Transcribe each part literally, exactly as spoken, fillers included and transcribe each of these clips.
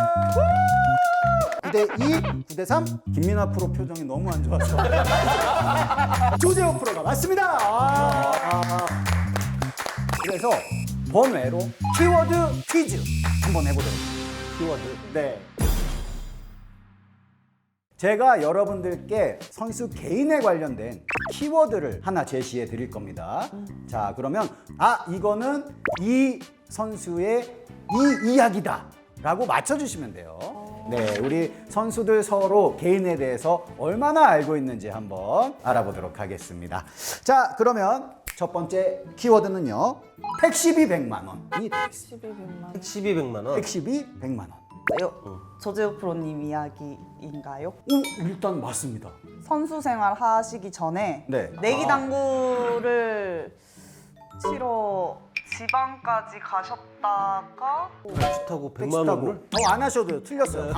구 대 이, 구 대 삼. 김민아 프로 표정이 너무 안 좋아서 조재호 프로가 맞습니다. 아, 아. 그래서 번외로 키워드 퀴즈 한번 해보도록 하겠습니다. 키워드. 네. 제가 여러분들께 선수 개인에 관련된 키워드를 하나 제시해 드릴 겁니다. 자, 그러면 아, 이거는 이 선수의 이 이야기다 라고 맞춰주시면 돼요. 네, 우리 선수들 서로 개인에 대해서 얼마나 알고 있는지 한번 알아보도록 하겠습니다. 자, 그러면 첫 번째 키워드는요, 택시비 백만 원이 되겠습니다. 십이 백만 원. 택시비 백만 원. 택시비 백만 원. 요 조재호 프로님 이야기인가요? 오, 일단 맞습니다. 선수 생활 하시기 전에 네. 내기 당구를 치러 지방까지 가셨다가 택시 타고 택시 백만 타고 원을? 더 안 하셔도 돼요. 틀렸어요.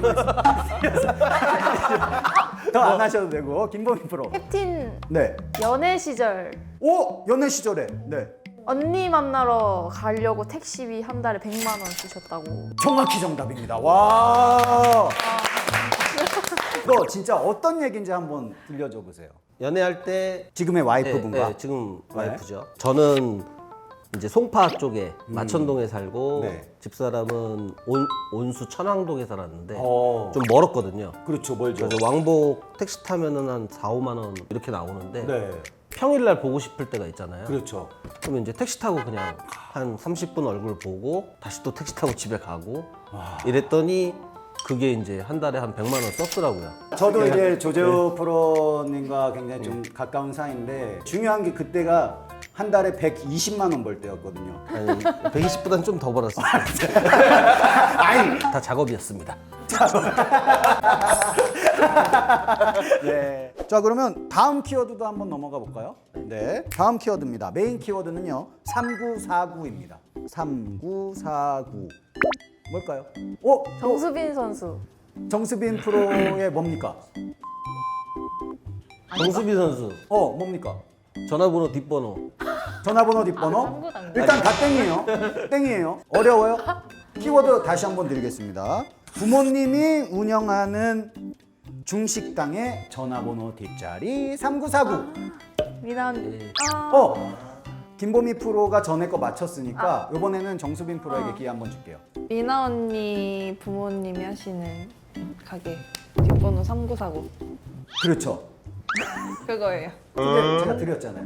더 안 하셔도 되고. 김보민 프로. 캡틴 네. 연애 시절 오, 연애 시절에. 네. 언니 만나러 가려고 택시비 한 달에 백만 원 쓰셨다고. 정확히 정답입니다. 와. 이거 진짜 어떤 얘기인지 한번 들려줘 보세요. 연애할 때 지금의 와이프분과. 네, 네, 지금 와이프죠. 저는 이제 송파 쪽에 마천동에 살고 네. 집사람은 온, 온수 천왕동에 살았는데 어. 좀 멀었거든요. 그렇죠. 멀죠. 그래서 왕복 택시 타면은 한 사, 오만 원 이렇게 나오는데 네. 평일날 보고 싶을 때가 있잖아요. 그렇죠. 그러면 이제 택시 타고 그냥 한 삼십 분 얼굴 보고 다시 또 택시 타고 집에 가고 이랬더니 그게 이제 한 달에 한 백만 원 썼더라고요. 저도 이제 조재호 프로님과 굉장히 좀 가까운 사이인데 중요한 게 그때가 한 달에 백이십만 원 벌 때였거든요. 아니, 백이십보다는 좀 더 벌었어요. 아니, 다 작업이었습니다. 네. 자, 그러면 다음 키워드도 한번 넘어가 볼까요? 네. 다음 키워드입니다. 메인 키워드는요, 삼구사구입니다. 삼구사구. 뭘까요? 오! 또 정수빈 선수. 정수빈 프로의 뭡니까? 정수빈 선수 어, 뭡니까? 전화번호 뒷번호 전화번호 뒷번호? 삼구 당구. 일단 다 땡이에요. 땡이에요. 어려워요? 키워드 다시 한번 드리겠습니다. 부모님이 운영하는 중식당의 전화번호 뒷자리 삼구사구. 미난. 아. 어, 김보미 프로가 전에 거 맞췄으니까 이번에는 정수빈 프로에게 기회 한번 줄게요. 미나 언니 부모님이 하시는 가게 뒷번호 삼구사구. 그렇죠. 그거예요. 근데 제가 드렸잖아요.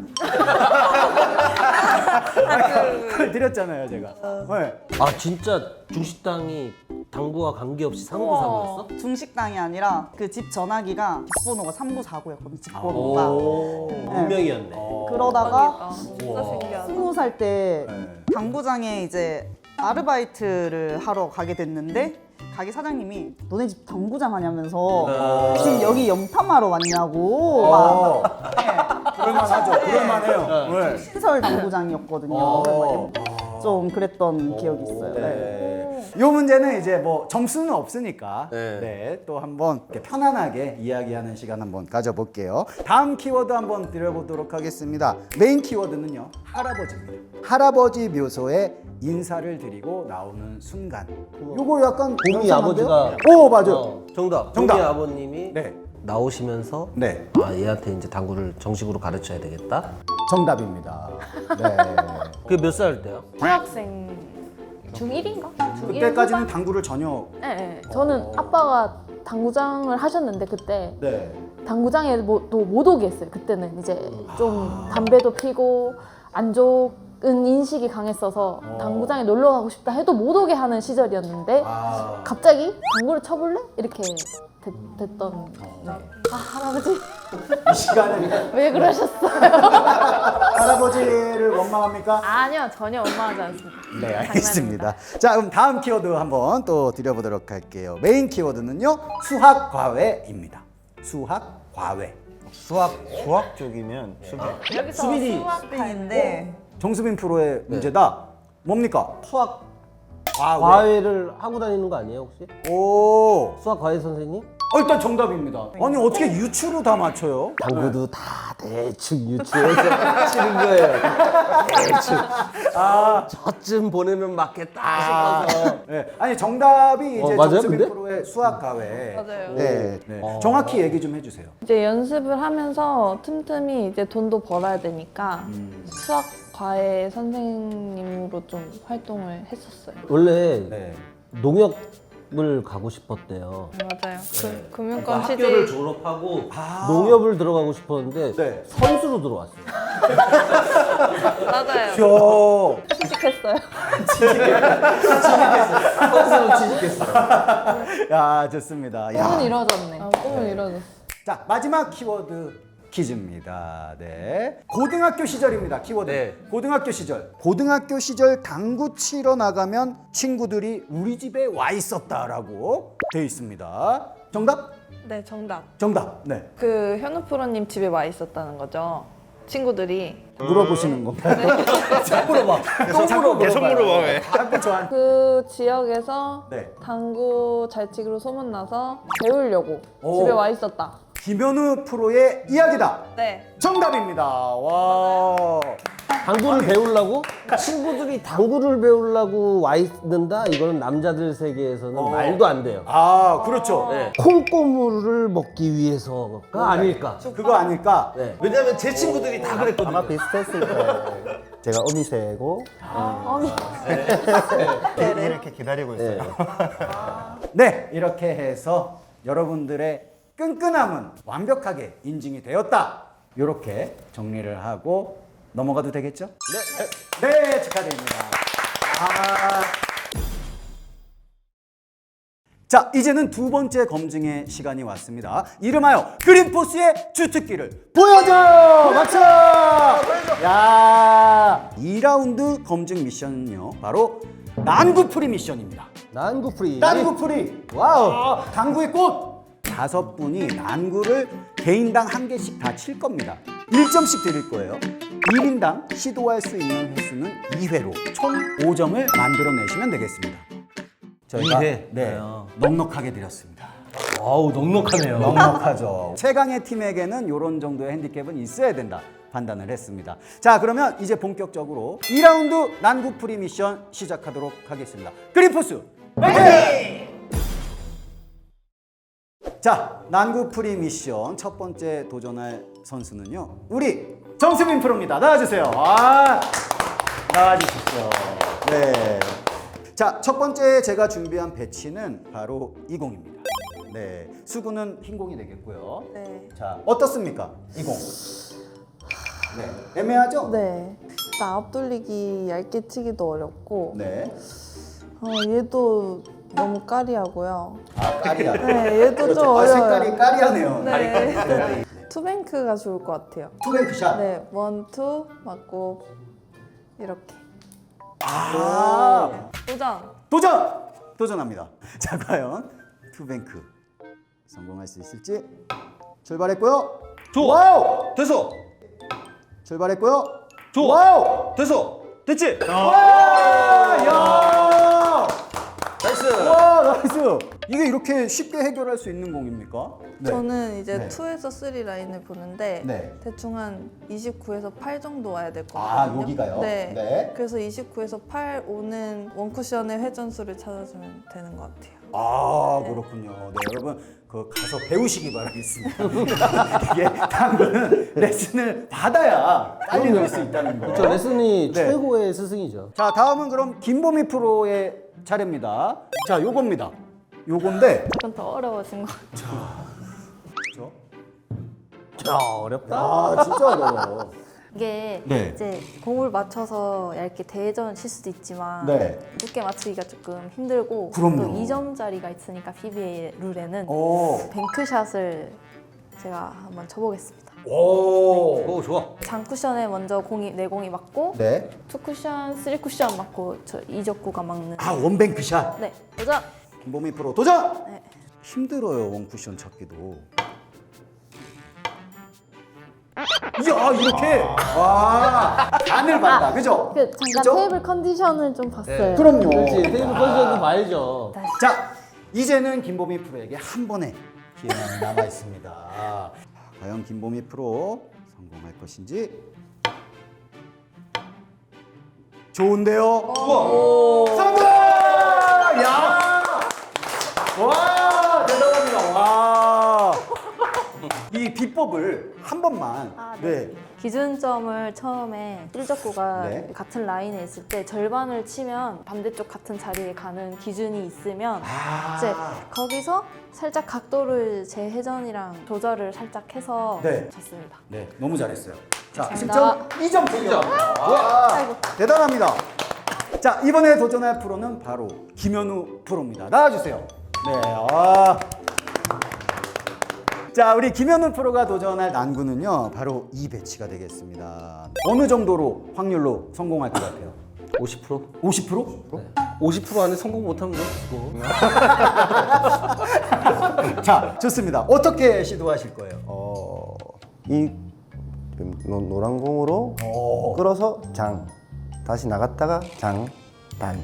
그걸 드렸잖아요, 제가. 네. 아 진짜 중식당이 당구와 관계없이 상구사구였어? 중식당이 아니라 그 집 전화기가 뒷번호가 삼구사구였거든요. 집 번호가. 오 운명이었네. 그러다가 진짜 신기하다. 스무 살 때 네. 당구장에 이제 아르바이트를 하러 가게 됐는데 가게 사장님이 너네 집 당구장 하냐면서 지금 여기 염탐하러 왔냐고 막 어, 그럴만하죠. 그럴만해요. 네. 신설 당구장이었거든요. 어. 좀 그랬던 기억이 있어요. 네. 네. 이 문제는 이제 뭐 점수는 없으니까 네. 네. 또 한번 이렇게 편안하게 이야기하는 시간 한번 가져볼게요. 다음 키워드 한번 드려보도록 하겠습니다. 메인 키워드는요, 할아버지입니다. 할아버지 묘소에 인사를 드리고 나오는 순간. 요거 약간 봄이 연상한데요? 아버지가 오, 맞아요. 어, 정답. 정답. 봄이 아버님이 네. 나오시면서 네. 아 얘한테 이제 당구를 정식으로 가르쳐야 되겠다. 정답입니다. 네. 그게 몇 살 때요? 중학생 중일인가? 중일 그때까지는 후반? 당구를 전혀. 네, 네. 저는 아빠가 당구장을 하셨는데 그때 네. 당구장에 뭐, 또 못 오게 했어요. 그때는 이제 좀 담배도 피고 안 좋은 인식이 강했어서 어. 당구장에 놀러 가고 싶다 해도 못 오게 하는 시절이었는데 아. 갑자기 당구를 쳐볼래? 이렇게 됐, 됐던. 네. 아 할아버지 이 시간에 왜 그러셨어요? 할아버지를 원망합니까? 아니요 전혀 원망하지 않습니다. 네, 알겠습니다. 자, 그럼 다음 키워드 한번 또 드려보도록 할게요. 메인 키워드는요, 수학 과외입니다. 수학 과외. 수학 수학 쪽이면 수비. 여기서 수빈이 수학인데 정수빈 프로의 문제다. 뭡니까? 수학 과외. 과외를 하고 다니는 거 아니에요 혹시? 오, 수학 과외 선생님? 어, 일단 정답입니다. 아니 어떻게 유추로 다 맞춰요? 당구도 다 대충 유추해서 치는 거예요. 대충. 아, 저쯤 보내면 맞겠다 싶어서. 네. 아니 정답이 이제 어, 맞아요, 정수빈 근데? 프로의 수학 가회. 맞아요. 네. 네. 정확히 얘기 좀 해주세요. 이제 연습을 하면서 틈틈이 이제 돈도 벌어야 되니까 수학 과외 선생님으로 좀 활동을 했었어요. 원래 네. 농협을 가고 싶었대요. 맞아요. 그 금융권 학교를 취직 졸업하고 아. 농협을 들어가고 싶었는데 네. 선수로 들어왔어요. 맞아요. 저 취직했어요. 선수로 취직했어요. 야 좋습니다. 야. 꿈은 이루어졌네. 아, 꿈은 이루어졌어. 자 마지막 키워드 퀴즈입니다. 네. 고등학교 시절입니다. 키워드. 네. 고등학교 시절. 고등학교 시절 당구 치러 나가면 친구들이 우리 집에 와 있었다라고 돼 있습니다. 정답? 네, 정답. 정답. 네. 그 현우 프로님 집에 와 있었다는 거죠. 친구들이. 물어보시는 건가요? 자, 물어봐. 또 물어봐요. 계속 물어봐, 왜. 자꾸 저한. 그 지역에서 네. 당구 잘 치기로 소문나서 배우려고 오. 집에 와 있었다. 김현우 프로의 이야기다. 네. 정답입니다. 와. 당구를 배우려고? 친구들이 당구를 배우려고 와 있는다? 이거는 남자들 세계에서는 어. 말도 안 돼요. 아 그렇죠. 네. 콩고물을 먹기 위해서가 아닐까? 그거 아닐까? 네. 왜냐면 제 친구들이 다 그랬거든요. 아마 비슷했을 거예요. 제가 어미새고 네, 이렇게 기다리고 있어요. 네, 이렇게 해서 여러분들의 끈끈함은 완벽하게 인증이 되었다. 이렇게 정리를 하고 넘어가도 되겠죠? 네, 네, 축하드립니다. 아. 자, 이제는 두 번째 검증의 시간이 왔습니다. 이름하여 그린포스의 주특기를 보여줘! 박수! 야, 이 라운드 검증 미션은요, 바로 난구풀이 미션입니다. 난구프리. 난구풀이! 와우! 당구의 꽃! 다섯 분이 난구를 개인당 한 개씩 다 칠 겁니다. 일 점씩 드릴 거예요. 일 인당 시도할 수 있는 횟수는 이 회로 총 오 점을 만들어내시면 되겠습니다. 저희가 이 회? 네, 아. 넉넉하게 드렸습니다. 아우, 넉넉하네요. 넉넉하죠. 최강의 팀에게는 이런 정도의 핸디캡은 있어야 된다 판단을 했습니다. 자, 그러면 이제 본격적으로 이 라운드 난구풀이 미션 시작하도록 하겠습니다. 그린포스 화이팅! 자, 난구풀이 미션 첫 번째 도전할 선수는요, 우리 정수빈 프로입니다. 나와주세요. 아, 나와주십시오. 네. 자, 첫 번째 제가 준비한 배치는 바로 이 공입니다. 네, 수구는 흰 공이 되겠고요. 네. 자, 어떻습니까? 이 공. 네, 애매하죠? 네. 나 앞돌리기 얇게 치기도 어렵고 네. 어, 얘도 너무 까리하고요. 아, 까리야. 네, 얘도 좀 아, 어려워요. 색깔이 까리하네요. 네. 네. 투뱅크가 좋을 것 같아요. 투뱅크샷. 네, 원, 투 맞고 이렇게. 아, 도전. 도전! 도전합니다. 자, 과연 투뱅크 성공할 수 있을지. 출발했고요. 좋아. 와우! 됐어. 출발했고요. 좋아. 와우! 됐어. 됐지? 와! 야! 나이스. 와, 나이스. 이게 이렇게 쉽게 해결할 수 있는 공입니까? 네. 저는 이제 네. 투에서 쓰리 라인을 보는데 네. 대충 한 이십구에서 팔 정도 와야 될 것 아, 같거든요. 여기가요? 네. 네. 그래서 이십구에서 팔 오는 원쿠션의 회전수를 찾아주면 되는 것 같아요. 아, 그렇군요. 네, 여러분 그 가서 배우시기 바라겠습니다. 이게 당구는 레슨을 받아야 빨리 늘 수 있다는 거. 그렇죠. 레슨이 네. 최고의 스승이죠. 자, 다음은 그럼 김보미 프로의 차례입니다. 자, 요겁니다. 요건데 조금 더 어려워진 것 같아요. 그렇죠? 야, 어렵다. 아, 진짜 어려워. 이게 네. 이제 공을 맞춰서 얇게 대전 칠 수도 있지만 네. 두께 맞추기가 조금 힘들고 그럼요. 또 이 점짜리가 있으니까 피비에이 룰에는 오. 뱅크샷을 제가 한번 쳐보겠습니다. 오. 오, 좋아. 장쿠션에 먼저 공이 내 공이 맞고 네. 투 쿠션, 쓰리 쿠션 맞고 저 이적구가 막는. 아, 원뱅크샷. 네, 도전. 김보미 프로 도전. 네. 힘들어요, 원쿠션 찾기도. 이야, 이렇게. 와. 안을 봤다. 그죠? 그 잠깐 그죠? 테이블 컨디션을 좀 봤어요. 그럼요. 그렇지. 테이블 컨디션도 봐야죠. 자, 이제는 김보미 프로에게 한 번에 기회만 남아 있습니다. 과연 김보미 프로 성공할 것인지. 좋은데요? 성공! 야! 와, 대단합니다. 와. 이 비법을 한 번만. 아, 네. 기준점을 처음에 뜰적구가 네. 같은 라인에 있을 때 절반을 치면 반대쪽 같은 자리에 가는 기준이 있으면 아. 이제 거기서 살짝 각도를 제 회전이랑 조절을 살짝 해서 네. 쳤습니다. 네, 너무 잘했어요. 자, 감사합니다. 십 점, 이 점 풀려. 와, 대단합니다. 자, 이번에 도전할 프로는 바로 김현우 프로입니다. 나와주세요. 네, 아. 자, 우리 김현우 프로가 도전할 난구는요, 바로 이 배치가 되겠습니다. 어느 정도로 확률로 성공할 것 같아요? 오십 퍼센트? 오십 퍼센트? 오십 퍼센트 안에 성공 못하면 뭐 자, 좋습니다. 어떻게 시도하실 거예요? 어, 이 노, 노란 공으로 오. 끌어서 장, 다시 나갔다가 장, 단.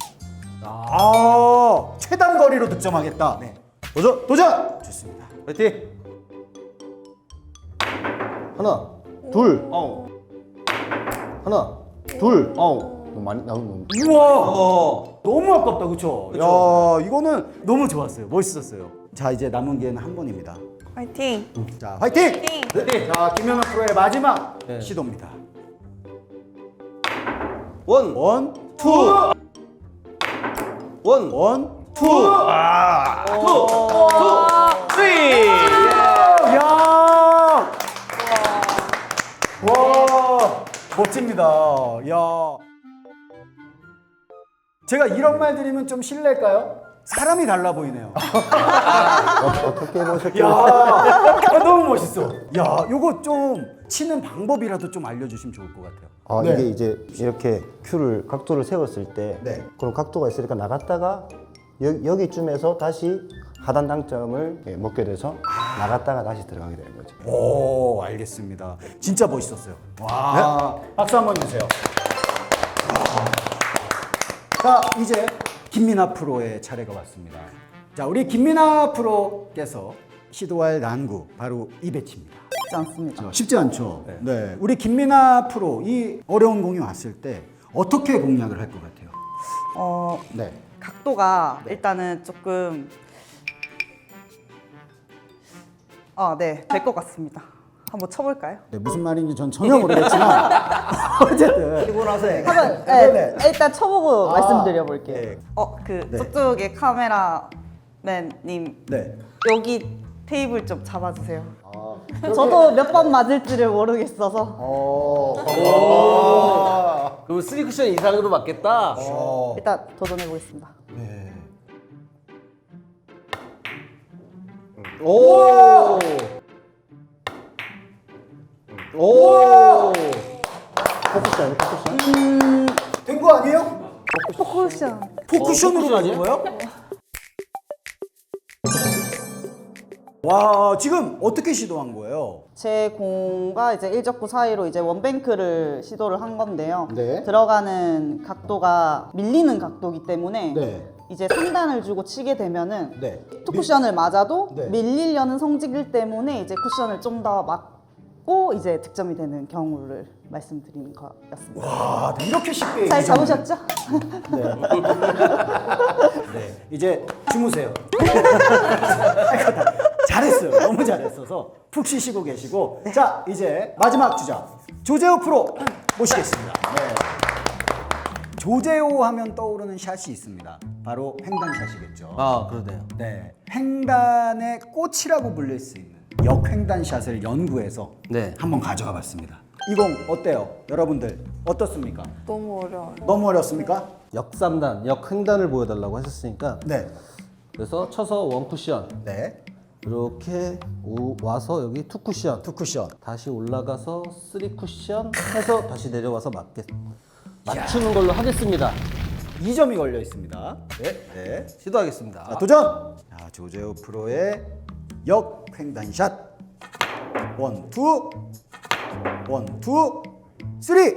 아, 최단 거리로 득점하겠다. 네. 도전! 도전! 좋습니다. 파이팅! 하나, 둘, 어. 하나, 둘. 어, 너무 많이 나오는. 우와! 어. 너무 아깝다, 그쵸? 그쵸. 야, 이거는 너무 좋았어요. 멋있었어요. 자, 이제 남은 기회는 한 번입니다. 화이팅! 자, 화이팅! 화이팅! 네. 자, 김현우 프로의 마지막 네. 시도입니다. 원, 원, 투! 원, 원, 투! 투, 투, 쓰리! 야! 와, 멋집니다. 야. 제가 이런 말 드리면 좀 실례일까요? 사람이 달라 보이네요. 어, 어떻게 보셨길래? 야, 아, 너무 멋있어. 야, 요거 좀 치는 방법이라도 좀 알려주시면 좋을 것 같아요. 아, 네. 이게 이제 이렇게 큐를 각도를 세웠을 때 네. 그런 각도가 있으니까 나갔다가 여, 여기쯤에서 다시 하단 당점을 예, 먹게 돼서 나갔다가 다시 들어가게 되는 거죠. 오, 알겠습니다. 진짜 멋있었어요. 와, 박수 한번 주세요. 자, 이제 김민아 프로의 차례가 왔습니다. 자, 우리 김민아 프로께서 시도할 난구 바로 이 배치입니다. 쉽지 않습니다. 쉽지 않죠. 네. 우리 김민아 프로 이 어려운 공이 왔을 때 어떻게 공략을 할 것 같아요? 어, 네. 각도가 일단은 조금 아, 네, 될 것 같습니다. 한번 쳐볼까요? 네, 무슨 말인지 전 전혀 모르겠지만 어쨌든 치고 나서 한번 네, 네, 일단 쳐보고 아, 말씀드려볼게요. 네. 어, 그 네. 저쪽에 카메라맨님 네. 여기 테이블 좀 잡아주세요. 저도 몇 번 맞을지를 모르겠어서 그럼 쓰리 쿠션 이상으로 맞겠다? 일단 도전해보겠습니다. 네. 오! 오! 포쿠션, 포쿠션. 된 거 아니에요? 포쿠션. 포쿠션으로 포쿠션 가는 거예요? 와, 지금 어떻게 시도한 거예요? 제 공과 이제 일적구 사이로 이제 원뱅크를 시도를 한 건데요. 네. 들어가는 각도가 밀리는 각도이기 때문에 네. 이제 상단을 주고 치게 되면은 네. 투 쿠션을 맞아도 네. 밀리려는 성질 때문에 이제 쿠션을 좀 더 맞고 이제 득점이 되는 경우를 말씀드리는 거였습니다. 와, 이렇게 쉽게 잘 얘기 좀- 잡으셨죠? 네, 이제 주무세요. 아이고, 다 잘했어요. 너무 잘했어서 푹 쉬시고 계시고. 자, 이제 마지막 주자 조재호 프로 모시겠습니다. 네. 조재호 하면 떠오르는 샷이 있습니다. 바로 횡단샷이겠죠. 아, 그러네요. 네, 횡단의 꽃이라고 불릴 수 있는 역횡단 샷을 연구해서 네. 한번 가져가 봤습니다. 이 공 어때요? 여러분들 어떻습니까? 너무 어려워요. 너무 어렵습니까? 역삼단, 역횡단을 보여달라고 하셨으니까 네. 그래서 쳐서 원 쿠션 네. 이렇게 오- 와서 여기 투 쿠션 투 쿠션. 다시 올라가서 쓰리 쿠션 해서 다시 내려와서 맞겠 맞추는 걸로 하겠습니다. 이 점이 걸려 있습니다. 네, 네. 시도하겠습니다. 자, 도전! 자, 조재호 프로의 역횡단샷. 원, 투. 원, 투. 쓰리.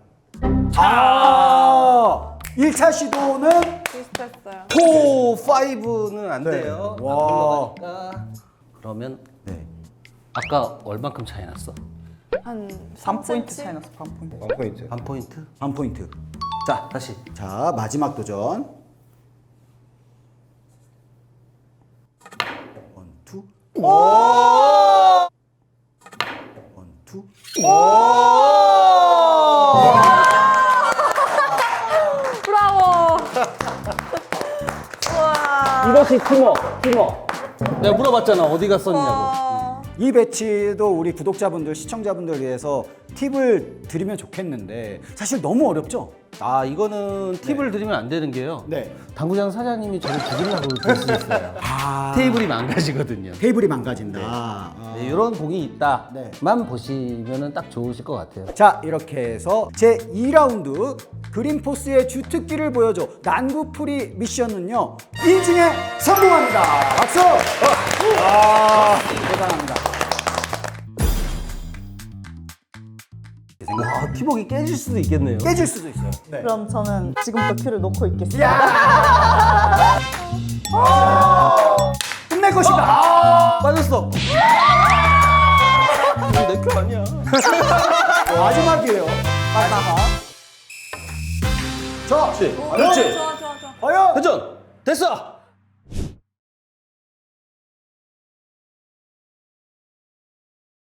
아! 일 차 시도는 비슷했어요. 포, 파이브는 안 네. 돼요. 와. 와. 올라가니까 그러면 네. 아까 얼만큼 차이 났어? 한 반 포인트 삼 차이 센티미터? 났어. 반 포인트. 원 포인트. 반 포인트? 한 포인트. 자, 다시. 자, 마지막 도전. 원, 투. 원, 투. 브라보! 이것이 팀워크, 팀워크. 내가 물어봤잖아, 어디 갔었냐고. 이 배치도 우리 구독자분들, 시청자분들 위해서 팁을 드리면 좋겠는데 사실 너무 어렵죠? 아, 이거는 팁을 드리면 안 되는 게요. 네. 당구장 사장님이 저를 죽이려고 될 수 있어요. 아, 테이블이 망가지거든요. 테이블이 망가진다. 아. 네, 이런 공이 있다만 네. 보시면 딱 좋으실 것 같아요. 자, 이렇게 해서 제이 라운드 그린포스의 주특기를 보여줘 난구풀이 미션은요 인증에 성공합니다. 박수! 아, 대단합니다. 와, 팀워크 깨질 수도 있겠네요. 깨질 수도 있어요. 네. 그럼 저는 지금부터 큐를 놓고 있겠습니다. 끝낼 것이다. 아, 빠졌어. 내큐 아니야. 마지막이에요. 마지막. 자, 그렇지. 오, 그렇지. 좋아 좋아 좋아. 과연 회전. 됐어.